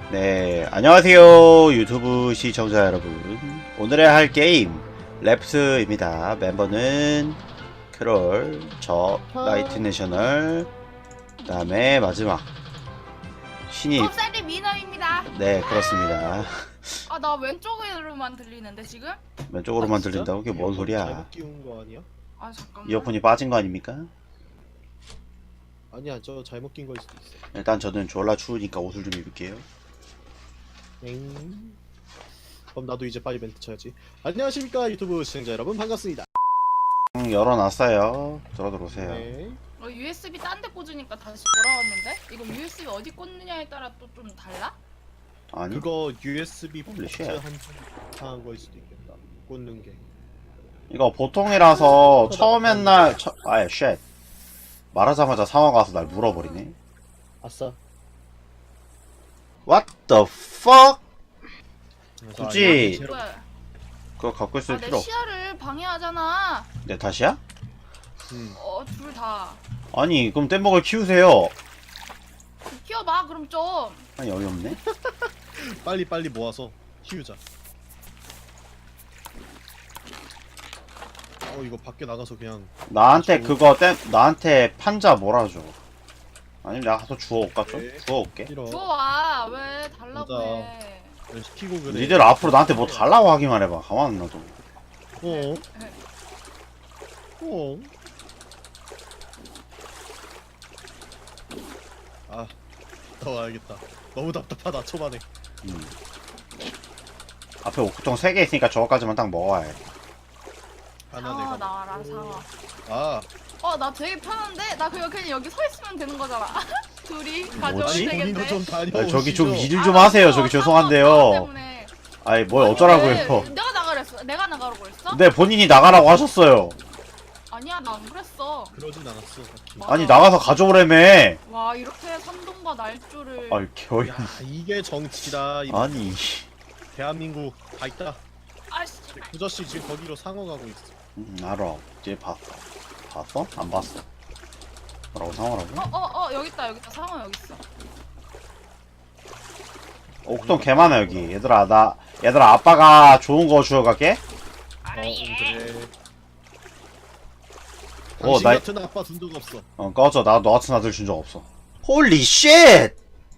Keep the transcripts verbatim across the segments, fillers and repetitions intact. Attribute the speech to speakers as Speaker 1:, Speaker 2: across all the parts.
Speaker 1: 네, 안녕하세요 유튜브 시청자 여러분. 오늘의 할 게임 랩스입니다. 멤버는 크롤, 저, 나이트 내셔널, 그 다음에 마지막 신입.
Speaker 2: 컵살이 미너입니다.
Speaker 1: 네, 그렇습니다.
Speaker 2: 아, 나 왼쪽으로만 들리는데 지금?
Speaker 1: 왼쪽으로만
Speaker 3: 아, 진짜?
Speaker 1: 들린다고? 그게 뭔
Speaker 3: 이어폰
Speaker 1: 소리야?
Speaker 3: 잘못 끼운 거 아니야?
Speaker 2: 아, 잠깐만.
Speaker 1: 이어폰이 빠진 거 아닙니까?
Speaker 3: 아니야, 저 잘못 낀 거일 수도 있어.
Speaker 1: 일단 저는 졸라 추우니까 옷을 좀 입을게요.
Speaker 3: 엥. 그럼 나도 이제 빨리 멘트 쳐야지. 안녕하십니까 유튜브 시청자 여러분, 반갑습니다.
Speaker 1: 음, 열어놨어요. 들어 들어오세요.
Speaker 3: 네.
Speaker 2: 어, 유에스비 딴 데 꽂으니까 다시 돌아왔는데? 이거 유에스비 어디 꽂느냐에 따라 또 좀 달라?
Speaker 1: 아니?
Speaker 3: 그거 유에스비
Speaker 1: 홀리
Speaker 3: 포트
Speaker 1: 쉣.
Speaker 3: 한한 거일 수도 있겠다. 꽂는 게.
Speaker 1: 이거 보통이라서 처음 옛날 처... 아예 쉣 말하자마자 상어가 와서 날 물어버리네.
Speaker 3: 아싸.
Speaker 1: What the fuck?
Speaker 3: 그래서
Speaker 1: 굳이-
Speaker 3: 아니, 제로-
Speaker 2: 뭐야?
Speaker 1: 그거 갖고 있을
Speaker 2: 아, 내
Speaker 1: 필요 없...
Speaker 2: 시야를 방해하잖아.
Speaker 1: 내 탓이야?
Speaker 3: 음.
Speaker 2: 어, 둘 다.
Speaker 1: 아니 그럼 뗏목을 키우세요.
Speaker 2: 키워봐, 그럼 좀.
Speaker 1: 아니 어이없네.
Speaker 3: 빨리 빨리 모아서 키우자. 어 이거 밖에 나가서 그냥
Speaker 1: 나한테
Speaker 3: 저-
Speaker 1: 그거 땜 나한테 판자 몰아줘. 아니면 내가 가서 주워올까 좀?
Speaker 3: 네.
Speaker 1: 주워올게.
Speaker 3: 싫어.
Speaker 2: 좋아. 왜 달라고
Speaker 3: 맞아.
Speaker 2: 해.
Speaker 3: 시키고 그래.
Speaker 1: 니들 앞으로 나한테 뭐 달라고 하기만 해봐. 가만 안 놔둬.
Speaker 3: 어? 어? 아, 더 알겠다. 너무 답답하다 초반에.
Speaker 1: 음. 앞에 옥구통 세 개 있으니까 저거까지만 딱 먹어야 해.
Speaker 3: 하나
Speaker 2: 상어
Speaker 3: 내가.
Speaker 2: 나와라,
Speaker 3: 먹고.
Speaker 2: 상어.
Speaker 3: 아,
Speaker 2: 어, 나 되게 편한데? 나 그냥 그냥 여기 서 있으면 되는 거잖아. 둘이 가져오면
Speaker 1: 뭐지?
Speaker 3: 아니
Speaker 2: 되겠네.
Speaker 3: 본인도 좀 다녀.
Speaker 1: 아니, 저기 좀 일을
Speaker 2: 아,
Speaker 1: 좀 하세요.
Speaker 2: 상어,
Speaker 1: 저기
Speaker 2: 상어,
Speaker 1: 죄송한데요.
Speaker 2: 상어 때문에.
Speaker 1: 아니 뭘
Speaker 2: 아니,
Speaker 1: 어쩌라고요.
Speaker 2: 왜? 내가 나가랬어. 내가 나가라고 했어?
Speaker 1: 네 본인이 나가라고 하셨어요.
Speaker 2: 아니야, 나 안 그랬어.
Speaker 3: 그러진 않았어. 딱히.
Speaker 2: 맞아.
Speaker 1: 아니 나가서 가져오래며.
Speaker 2: 와, 이렇게 선동과 날조를.
Speaker 1: 아이 개어이.
Speaker 3: 야, 이게 정치다. 이
Speaker 1: 아니
Speaker 3: 대한민국 다 있다.
Speaker 2: 아씨.
Speaker 3: 구저씨 지금 거기로 상어 가고 있어.
Speaker 1: 음, 알아. 이제 봤어. 봤어? 안 봤어. 뭐라고 상어라고?
Speaker 2: 어, 어, 어, 여기 있다, 여기 있다. 상어 여기 있어.
Speaker 1: 옥동 개 많아 여기. 얘들아 나 얘들아 아빠가 좋은 거 주워갈게.
Speaker 3: 어, 그래.
Speaker 1: 어,
Speaker 3: 당신
Speaker 1: 나-
Speaker 3: 같은 아빠 준 적 없어.
Speaker 1: 어 꺼져. 나 너 같은 아들 준 적 없어. 홀리 쉣!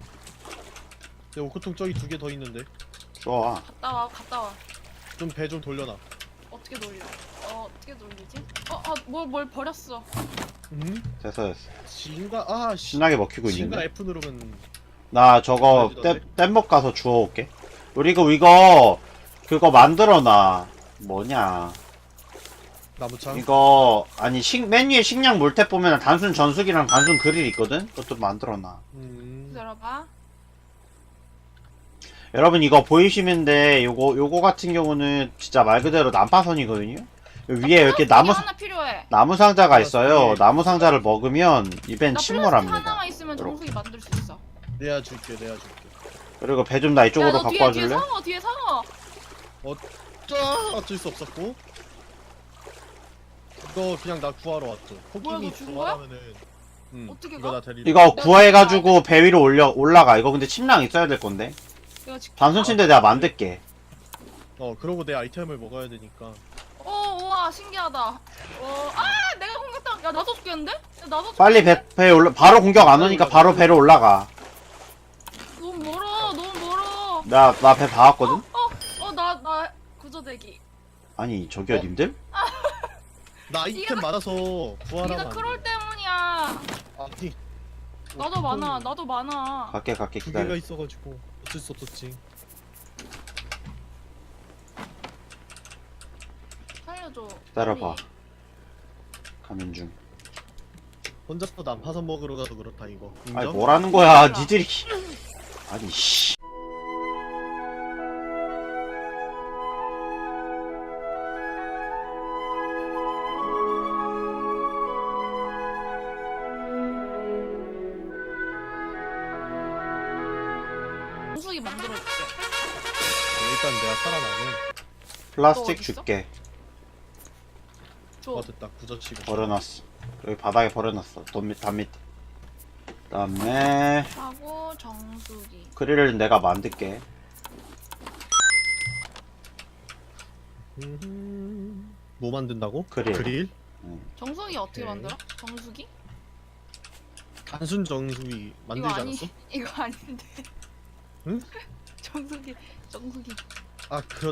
Speaker 3: 내 오크통 저기 두 개 더 있는데.
Speaker 1: 좋아.
Speaker 2: 갔다 와, 갔다 와.
Speaker 3: 좀 배 좀 돌려놔.
Speaker 2: 어떻게 돌려? 어, 어떻게 돌리지? 어, 어, 뭘, 뭘 버렸어.
Speaker 3: 음?
Speaker 1: 됐어 됐어.
Speaker 3: C인가? 아, 씨.
Speaker 1: 신나게 먹히고
Speaker 3: C인가
Speaker 1: 있는데.
Speaker 3: F 누르면
Speaker 1: 나 저거 땜, 땜목 가서 주워올게. 그리고 이거 그거 만들어놔. 뭐냐.
Speaker 3: 나무창.
Speaker 1: 이거 아니 식 메뉴에 식량 물탭 보면 단순 전수기랑 단순 그릴 있거든. 그것도 만들어놔.
Speaker 3: 음.
Speaker 2: 기다려봐.
Speaker 1: 여러분 이거 보이시는데 요거 요거 같은 경우는 진짜 말 그대로 난파선이거든요. 요 위에 이렇게 나무
Speaker 2: 하나 필요해.
Speaker 1: 나무 상자가 있어요. 나무 상자를 먹으면 입엔
Speaker 2: 나 플라스틱
Speaker 1: 침몰합니다.
Speaker 2: 하나만 있으면 정수기 만들 수 있어.
Speaker 3: 내가 줄게, 내가 줄게.
Speaker 1: 그리고 배 좀 나 이쪽으로
Speaker 2: 야, 너
Speaker 1: 갖고
Speaker 2: 뒤에,
Speaker 1: 와줄래?
Speaker 2: 뒤에 상어, 뒤에 상어.
Speaker 3: 짜 어쩔 수 없었고. 이거 그냥 나 구하러 왔어.
Speaker 2: 뭐야,
Speaker 3: 코끼리
Speaker 2: 너 죽은
Speaker 3: 구하라면은. 응.
Speaker 2: 어떻게
Speaker 3: 이거
Speaker 2: 가?
Speaker 3: 나 데리러.
Speaker 1: 이거 구해가지고 배 위로 올려 올라가. 이거 근데 침낭 있어야 될 건데.
Speaker 2: 내가 지금.
Speaker 1: 단순 침대 내가 만들게.
Speaker 3: 어, 그러고 내 아이템을 먹어야 되니까.
Speaker 2: 어, 우와, 신기하다. 어, 아, 내가 공격당. 야, 나도 죽겠는데? 야, 나도.
Speaker 1: 빨리 배, 배 올라 바로 공격 안 오니까 바로 배로 올라가.
Speaker 2: 너무 멀어, 너무 멀어.
Speaker 1: 나 나 배 봐왔거든.
Speaker 2: 어, 어, 나, 나 구조대기.
Speaker 1: 아니 저기요
Speaker 3: 어?
Speaker 1: 님들?
Speaker 3: 나 아이템 많아서 구하라고.
Speaker 2: 네가
Speaker 3: 안
Speaker 2: 크롤
Speaker 3: 돼.
Speaker 2: 때문이야.
Speaker 3: 아니.
Speaker 2: 나도 많아, 나도 많아.
Speaker 1: 갈게 갈게
Speaker 3: 두 개가
Speaker 1: 기다려.
Speaker 3: 있어가지고 어쩔 수 없었지.
Speaker 2: 살려줘.
Speaker 1: 기다려봐.
Speaker 2: 빨리.
Speaker 1: 가면 중.
Speaker 3: 혼자서 난파선 먹으러 가서 그렇다 이거. 인정?
Speaker 1: 아니 뭐라는 거야 니들이. 아니 씨.
Speaker 2: 정수기 만들어줄게.
Speaker 3: 일단 내가 살아나면.
Speaker 1: 플라스틱
Speaker 2: 어딨어?
Speaker 1: 줄게.
Speaker 2: 줘.
Speaker 3: 어 됐다 구저씨가.
Speaker 1: 버려놨어. 여기 바닥에 버려놨어. 돈 밑, 담 밑에. 그다음에
Speaker 2: 하고 정수기.
Speaker 1: 그릴을 내가 만들게.
Speaker 3: 음, 뭐 만든다고?
Speaker 1: 그릴.
Speaker 3: 그릴?
Speaker 2: 정수기 어떻게
Speaker 3: 오케이.
Speaker 2: 만들어? 정수기?
Speaker 3: 단순 정수기 만들지
Speaker 2: 이거 아니
Speaker 3: 않았어?
Speaker 2: 이거 아닌데.
Speaker 3: 응?
Speaker 2: 정수기 정수기.
Speaker 3: 아 그렇.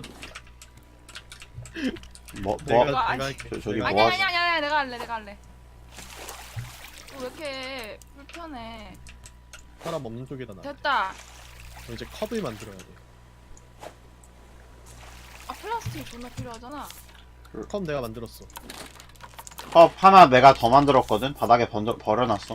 Speaker 1: 뭐
Speaker 3: 내가
Speaker 1: 뭐?
Speaker 2: 이거 아니-
Speaker 3: 내가 할게.
Speaker 1: 저- 저기
Speaker 3: 내가
Speaker 2: 아니
Speaker 1: 뭐
Speaker 2: 아니 아니 아니 내가 할래 내가 할래. 어, 왜 이렇게 불편해?
Speaker 3: 사람 없는 쪽에다 놔.
Speaker 2: 됐다.
Speaker 3: 그럼 이제 컵을 만들어야 돼.
Speaker 2: 아 플라스틱 존나 필요하잖아.
Speaker 3: 컵 내가 만들었어.
Speaker 1: 컵 하나 내가 더 만들었거든. 바닥에 번져, 버려놨어.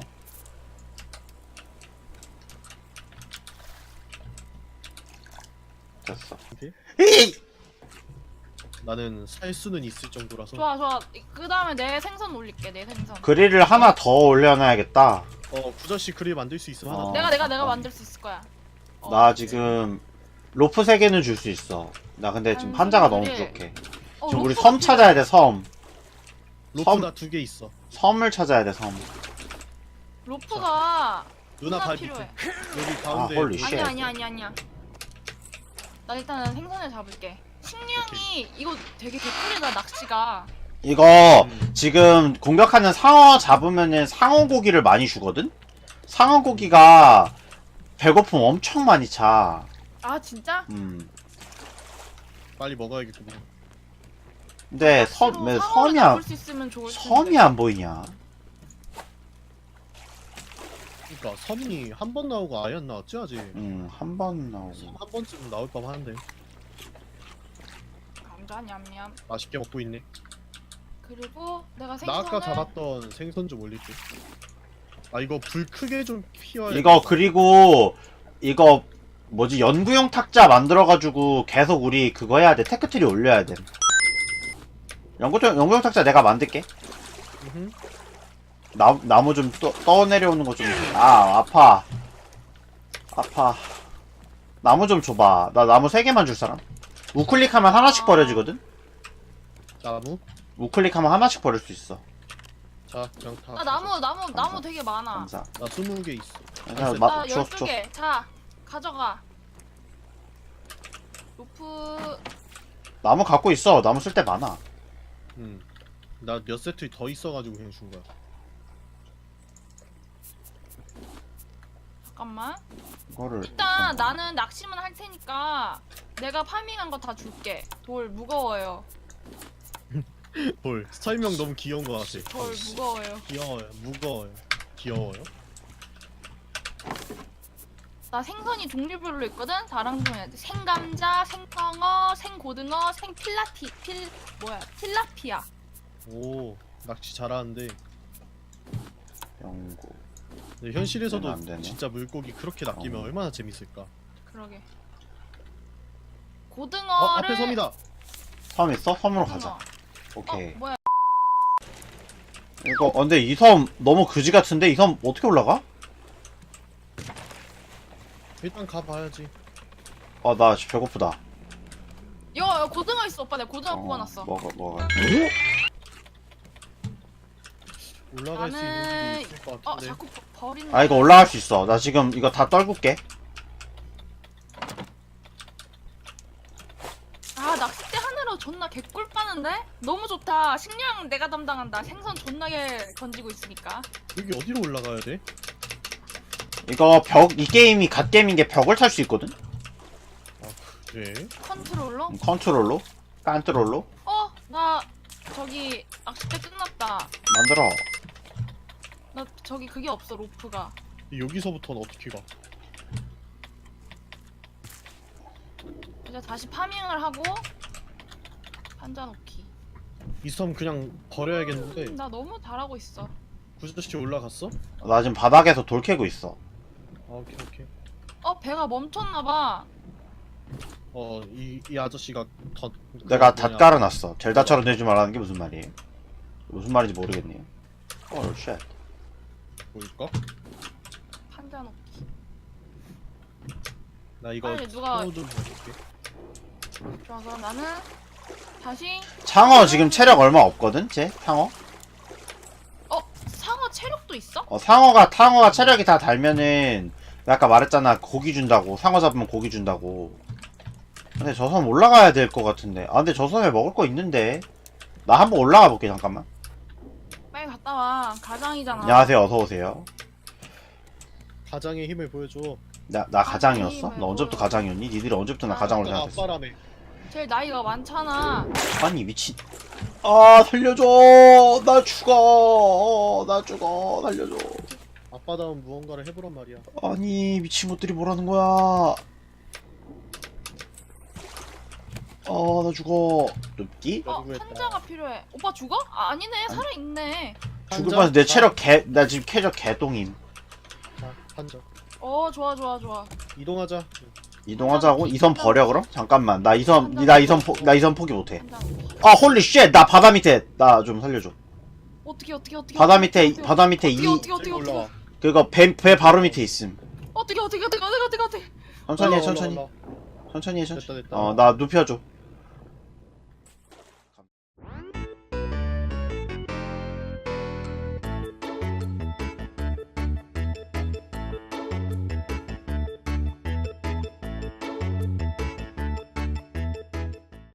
Speaker 1: 됐어.
Speaker 3: 오케이.
Speaker 1: 에이!
Speaker 3: 나는 살 수는 있을 정도라서.
Speaker 2: 좋아 좋아. 그 다음에 내 생선 올릴게 내 생선.
Speaker 1: 그릴을 하나 더 올려놔야겠다.
Speaker 3: 어 구저씨 그릴 만들 수 있어 하나.
Speaker 1: 어.
Speaker 3: 더.
Speaker 2: 내가 내가 내가
Speaker 1: 잠깐.
Speaker 2: 만들 수 있을 거야. 어.
Speaker 1: 나 지금 로프 세 개는 줄 수 있어. 나 근데 지금
Speaker 2: 아니,
Speaker 1: 판자가 너무
Speaker 2: 그래.
Speaker 1: 부족해.
Speaker 2: 어,
Speaker 1: 지금 우리
Speaker 2: 로프가
Speaker 1: 섬 찾아야 돼, 섬.
Speaker 3: 로프
Speaker 1: 섬.
Speaker 3: 나 두 개 있어.
Speaker 1: 섬을 찾아야 돼, 섬.
Speaker 2: 로프가
Speaker 3: 누나
Speaker 2: 누나
Speaker 3: 발
Speaker 2: 필요해.
Speaker 3: 밑에. 여기 가운데.
Speaker 1: 홀리 쉣.
Speaker 2: 아니야 아니야 아니야 아니야. 나 일단은 생선을 잡을게. 식량이 이거 되게 개꿀이다 낚시가.
Speaker 1: 이거
Speaker 3: 음.
Speaker 1: 지금 공격하는 상어 잡으면은 상어 고기를 많이 주거든? 상어 고기가 배고픔 엄청 많이 차.
Speaker 2: 아 진짜?
Speaker 1: 음.
Speaker 3: 빨리 먹어야겠구만.
Speaker 1: 근데 섬,
Speaker 2: 낚시로
Speaker 1: 왜
Speaker 2: 상어를
Speaker 1: 섬이
Speaker 2: 잡을
Speaker 1: 안,
Speaker 2: 수 있으면 좋을 텐데.
Speaker 1: 섬이 안 보이냐?
Speaker 3: 그러니까 섬이 한 번 나오고 아예 안 나왔지 아직.
Speaker 1: 음, 한 번
Speaker 3: 섬
Speaker 1: 나오고.
Speaker 3: 한 번쯤 나올 법한데.
Speaker 2: 감자 냠냠.
Speaker 3: 맛있게 먹고 있네.
Speaker 2: 그리고 내가
Speaker 3: 나
Speaker 2: 생선을
Speaker 3: 아까 잡았던 생선 좀 올릴게. 아 이거 불 크게 좀 피워야.
Speaker 1: 이거 그리고 이거 뭐지 연구용 탁자 만들어가지고 계속 우리 그거 해야 돼. 테크트리 올려야 돼. 연구용 연구용 탁자 내가 만들게.
Speaker 3: 음흠.
Speaker 1: 나 나무 좀 떠, 떠내려오는 거 좀. 아 아파. 아파. 나무 좀 줘봐. 나 나무 세 개만 줄 사람. 우클릭하면 하나씩 버려지거든.
Speaker 3: 나무.
Speaker 1: 우클릭하면 하나씩 버릴 수 있어.
Speaker 3: 자 그냥 다.
Speaker 2: 나 나무 나무
Speaker 1: 감사.
Speaker 2: 나무 되게 많아.
Speaker 1: 감사.
Speaker 3: 나 스무 개 있어.
Speaker 1: 그냥
Speaker 3: 나
Speaker 1: 마,
Speaker 2: 나
Speaker 1: 줘,
Speaker 2: 열두
Speaker 1: 줘.
Speaker 2: 개. 자 가져가. 로프
Speaker 1: 나무 갖고 있어. 나무 쓸 때 많아.
Speaker 3: 응. 나 몇 세트 더 있어가지고 그냥 준 거야.
Speaker 2: 잠깐만.
Speaker 1: 이거를
Speaker 2: 일단 나는 낚시만 할 테니까 내가 파밍한 거 다 줄게. 돌 무거워요.
Speaker 3: 볼. 설명 너무 귀여운 거 같아.
Speaker 2: 돌 무거워요.
Speaker 3: 귀여워요. 무거워요. 귀여워요.
Speaker 2: 나 생선이 종류별로 있거든. 다른 종류. 생감자, 생성어, 생고등어, 생필라티 필 뭐야? 필라피아.
Speaker 3: 오 낚시 잘하는데.
Speaker 1: 연구.
Speaker 3: 근데 현실에서도
Speaker 1: 안 되네.
Speaker 3: 진짜 물고기 그렇게 낚이면
Speaker 1: 어.
Speaker 3: 얼마나 재밌을까.
Speaker 2: 그러게.
Speaker 3: 어
Speaker 2: 고등어를
Speaker 3: 앞에 섬이다.
Speaker 1: 섬 있어? 섬으로
Speaker 2: 고등어.
Speaker 1: 가자. 오케이.
Speaker 2: 어, 뭐야?
Speaker 1: 이거 어, 근데 이 섬 너무 그지 같은데 이 섬 어떻게 올라가?
Speaker 3: 일단 가봐야지.
Speaker 1: 아 나 지금 배고프다.
Speaker 2: 이거 고등어 있어, 오빠. 내가 고등어
Speaker 1: 어,
Speaker 2: 구워놨어.
Speaker 1: 먹어 먹어.
Speaker 3: 올라갈 수 있는
Speaker 2: 나는
Speaker 3: 길이 있을 것
Speaker 2: 어
Speaker 3: 같은데.
Speaker 2: 자꾸 버, 버리는.
Speaker 1: 아 이거 올라갈 수 있어. 나 지금 이거 다 떨굴게.
Speaker 2: 아 낚싯대 하나로 존나 개꿀 빠는데? 너무 좋다. 식량 내가 담당한다. 생선 존나게 건지고 있으니까.
Speaker 3: 여기 어디로 올라가야 돼?
Speaker 1: 이거 벽 이 게임이 갓 게임인 게 벽을 탈 수 있거든.
Speaker 3: 그래?
Speaker 2: 컨트롤러?
Speaker 1: 음, 컨트롤로, 깐트롤로
Speaker 2: 어? 나 저기 낚싯대 끝났다.
Speaker 1: 만들어.
Speaker 2: 나 저기 그게 없어, 로프가.
Speaker 3: 여기서부터는 어떻게 가?
Speaker 2: 이제 다시 파밍을 하고 판자 놓기.
Speaker 3: 이 섬 그냥 버려야겠는데.
Speaker 2: 음, 나 너무 잘하고 있어.
Speaker 3: 구저씨 올라갔어?
Speaker 1: 나 지금 바닥에서 돌 캐고 있어.
Speaker 3: 아 오케이 오케이.
Speaker 2: 어 배가 멈췄나봐.
Speaker 3: 어이 이 아저씨가 더.
Speaker 1: 내가
Speaker 3: 그
Speaker 1: 다
Speaker 3: 뭐냐,
Speaker 1: 깔아놨어. 젤다처럼 되지 말라는 게 무슨 말이에요? 무슨 말인지 모르겠네요. 헐 쉣.
Speaker 3: 보일까?
Speaker 2: 판자 놓기.
Speaker 3: 나 이거
Speaker 2: 빨리 누가-
Speaker 3: 스노우 좀 해볼게.
Speaker 2: 좋아, 그럼 나는 다시.
Speaker 1: 창어 지금 체력 얼마 없거든? 쟤? 창어?
Speaker 2: 어 상어 체력도 있어?
Speaker 1: 어, 상어가 상어가 체력이 다 달면은 내가 아까 말했잖아 고기 준다고. 상어 잡으면 고기 준다고. 근데 저 섬 올라가야 될 것 같은데. 아 근데 저 섬에 먹을 거 있는데. 나 한번 올라가 볼게 잠깐만.
Speaker 2: 빨리 갔다 와. 가장이잖아.
Speaker 1: 안녕하세요, 어서 오세요.
Speaker 3: 가장의 힘을 보여줘.
Speaker 1: 나 나 가장이었어?
Speaker 2: 아니,
Speaker 1: 너 언제부터
Speaker 2: 뭐야.
Speaker 1: 가장이었니? 니들이 언제부터 나
Speaker 2: 아,
Speaker 1: 가장으로
Speaker 3: 너가
Speaker 1: 생각했어?
Speaker 3: 아빠라며.
Speaker 2: 제일 나이가 많잖아.
Speaker 1: 아니 미친. 아 살려줘. 나 죽어. 나 죽어. 살려줘.
Speaker 3: 아빠다운 무언가를 해보란 말이야.
Speaker 1: 아니 미친 것들이 뭐라는 거야. 아 나 죽어. 눕기?
Speaker 2: 어,
Speaker 3: 누구였다.
Speaker 2: 환자가 필요해. 오빠 죽어? 아, 아니네. 살아있네.
Speaker 1: 죽을
Speaker 3: 한자?
Speaker 1: 뻔해서 내 체력 개, 나 지금 체력 개똥임.
Speaker 3: 자, 한자.
Speaker 2: 어, 좋아, 좋아, 좋아.
Speaker 3: 이동하자.
Speaker 1: 이동하자고? 이 섬 버려 그럼? 잠깐만 나 이 섬,
Speaker 2: 한장
Speaker 1: 나 이 섬, 나 이 섬 포기 못해.
Speaker 2: 환자.
Speaker 1: 아 홀리 쉣! 나 바다 밑에, 나 좀 살려줘.
Speaker 2: 어떻게, 어떻게, 어떻게.
Speaker 1: 바다
Speaker 2: 어떻게,
Speaker 1: 밑에,
Speaker 2: 어떻게,
Speaker 1: 바다 밑에
Speaker 2: 어떻게,
Speaker 1: 이,
Speaker 2: 어떻게, 어떻게,
Speaker 3: 저기
Speaker 2: 어떻게.
Speaker 3: 올라와.
Speaker 1: 그거 배, 배 바로 밑에 있음.
Speaker 2: 어떻게, 어떻게, 어떻게, 어떻게, 어떻게, 어떻게.
Speaker 1: 천천히 해,
Speaker 3: 올라와,
Speaker 1: 천천히.
Speaker 3: 올라와.
Speaker 1: 천천히 해, 천천히.
Speaker 3: 됐다, 됐다.
Speaker 1: 어, 나 눕혀줘.